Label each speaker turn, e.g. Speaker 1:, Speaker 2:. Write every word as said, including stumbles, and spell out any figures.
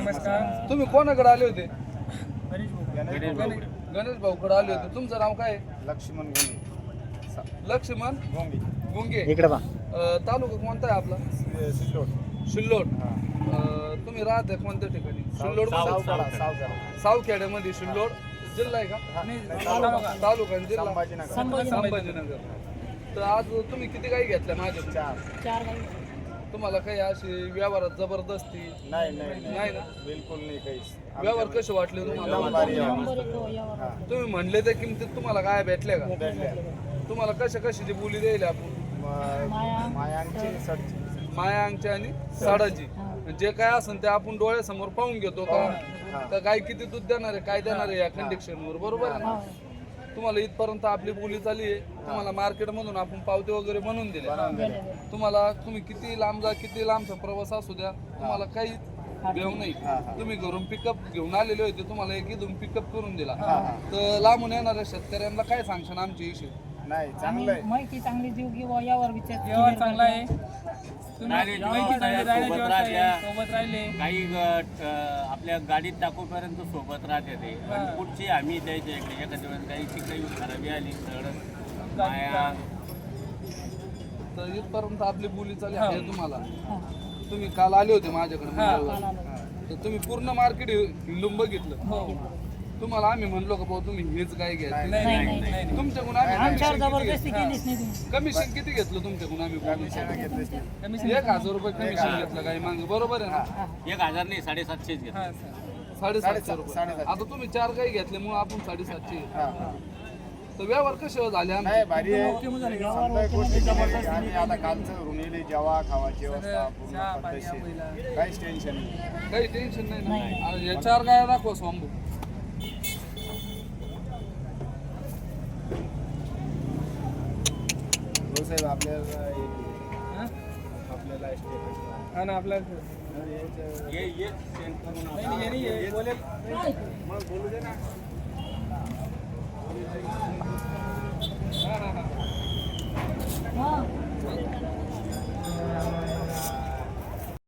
Speaker 1: नमस्कार.
Speaker 2: तुम्ही कोणाकडे आले होते?
Speaker 1: गणेश भाऊ.
Speaker 2: गणेश भाऊकडे आले होते. तुमचं नाव काय?
Speaker 3: लक्ष्मण गोंगे.
Speaker 2: लक्ष्मण
Speaker 3: गोंगे.
Speaker 2: गुंगे.
Speaker 4: इकडे बा.
Speaker 2: अ, तालुका कोणता आहे आपला?
Speaker 3: सिल्लोड.
Speaker 2: सिल्लोड. अ, तुम्ही राहते कोणत्या ठिकाणी? सिल्लोड
Speaker 3: सावखेडा. सावखेडा.
Speaker 2: सावखेड्यामध्ये. सिल्लोड जिल्हा आहे का?
Speaker 1: तालुका.
Speaker 2: तालुका आणि जिल्हा
Speaker 3: संभाजीनगर.
Speaker 2: संभाजीनगर. तर आज तुम्ही किती गाई घेतल्या माझ्या?
Speaker 3: चार.
Speaker 5: चार गाई.
Speaker 2: तुम्हाला काही अशी व्यवहारात जबरदस्ती
Speaker 3: नाही नाही
Speaker 2: नाही ना?
Speaker 3: बिलकुल नाही काहीच.
Speaker 2: व्यवहार कसे वाटले तुम्हाला?
Speaker 3: एकदम भारी आहे.
Speaker 5: नंबर एक हो, यावर.
Speaker 3: हा.
Speaker 2: तुम्ही म्हणले त्या किमतीत तुम्हाला काय भेटल्या का?
Speaker 3: भेटल्या.
Speaker 2: तुम्हाला कशा कशाची बोली द्यायला आपण?
Speaker 3: म- मायांची सडची.
Speaker 2: माया अंगची आणि साडाची. जे काय असेल ते आपण डोळ्यासमोर पाहून घेतो का? तर गाय किती दूध देणार आहे, काय देणार आहे या कंडिशनवर, बरोबर आहे ना? तुम्हाला इथपर्यंत आपली बोली चालली आहे. तुम्हाला मार्केटमधून आपण पावते वगैरे बनवून दिले. तुम्हाला तुम्ही किती लांब जा, किती लांबचा प्रवास असू द्या, तुम्हाला काही भेव नाही. तुम्ही घरून पिकअप घेऊन आलेले होते, तुम्हाला एक इथून पिकअप करून दिला. तर लांबून येणाऱ्या शेतकऱ्यांना काय सांगशाल आमची इशू?
Speaker 3: नाही चांगलं आहे.
Speaker 5: माहिती चांगली देऊ किंवा यावर विचार
Speaker 1: व्यवहार चांगला आहे. तुम्ही
Speaker 6: राहिले
Speaker 1: माहिती
Speaker 6: जेव्हा
Speaker 1: चांगली राहिली,
Speaker 6: सोबत
Speaker 1: व्यवस्था आहे,
Speaker 6: राहत्या.
Speaker 1: सोबत राहिले.
Speaker 6: काही गट अ, आपल्या गाडीत टाकूपर्यंत सोबत राहते ते
Speaker 1: हा.
Speaker 6: पण पुढची आम्ही द्यायच्या इकडे एखाद्या वेळेस गाईची काही खराबी आली सगळं माया
Speaker 2: तर इथपर्यंत आपली बोली चालली आहे तुम्हाला. तुम्ही काल आले होते माझ्याकडे मंगळवारी. तर तुम्ही पूर्ण मार्केट हिंडून बघितलं.
Speaker 1: हो.
Speaker 2: तुम्हाला आम्ही म्हणलो का भाऊ तुम्ही हेच गाय घ्या.
Speaker 1: नाही नाही नाही नाही.
Speaker 2: तुमच्याकडून आम्ही
Speaker 5: आमच्यावर
Speaker 2: कमिशन किती
Speaker 5: जबरदस्ती
Speaker 2: घेतलं?
Speaker 5: केलीच नाही तुम्ही.
Speaker 2: कमिशन किती घेतलं तुमच्याकडून आम्ही बोलून?
Speaker 3: कमिशन घेतलीच नाही.
Speaker 1: कमिशन
Speaker 2: एक हजार रुपये कमिशन घेतलं गाई मागे, बरोबर आहे ना?
Speaker 6: एक हजार नाही साडेसातशेच घेतले.
Speaker 1: हा, सर.
Speaker 2: साडेसातशे रुपये.
Speaker 3: साडेसातशे.
Speaker 2: आता तुम्ही चार गाई घेतल्यामुळे आपण साडेसातशे.
Speaker 3: हा.
Speaker 2: तर व्यवहार कसे झाले आमचे?
Speaker 3: नाही भारी आहे.
Speaker 1: ओके मग झाले.
Speaker 3: समजा गोष्टी जबरदस्त. आणि आता कालचं ऋणीले जेवा खावाची व्यवस्था पूर्ण
Speaker 1: चहा, पाणी,
Speaker 3: पद्धतशीर.
Speaker 1: आंघोळीला.
Speaker 3: काहीच टेन्शन नाही.
Speaker 2: काही टेन्शन नाही ना? आणि या चार गाया दाखवा स्वांबू.
Speaker 3: हो साहेब आपल्याला
Speaker 1: हा?
Speaker 3: आपल्याला estate
Speaker 1: हा ना आपला
Speaker 3: आहे.
Speaker 6: ये ये सेंड करून
Speaker 1: नाही, नाही, नाही, बोलेल.
Speaker 3: मग बोलू दे ना.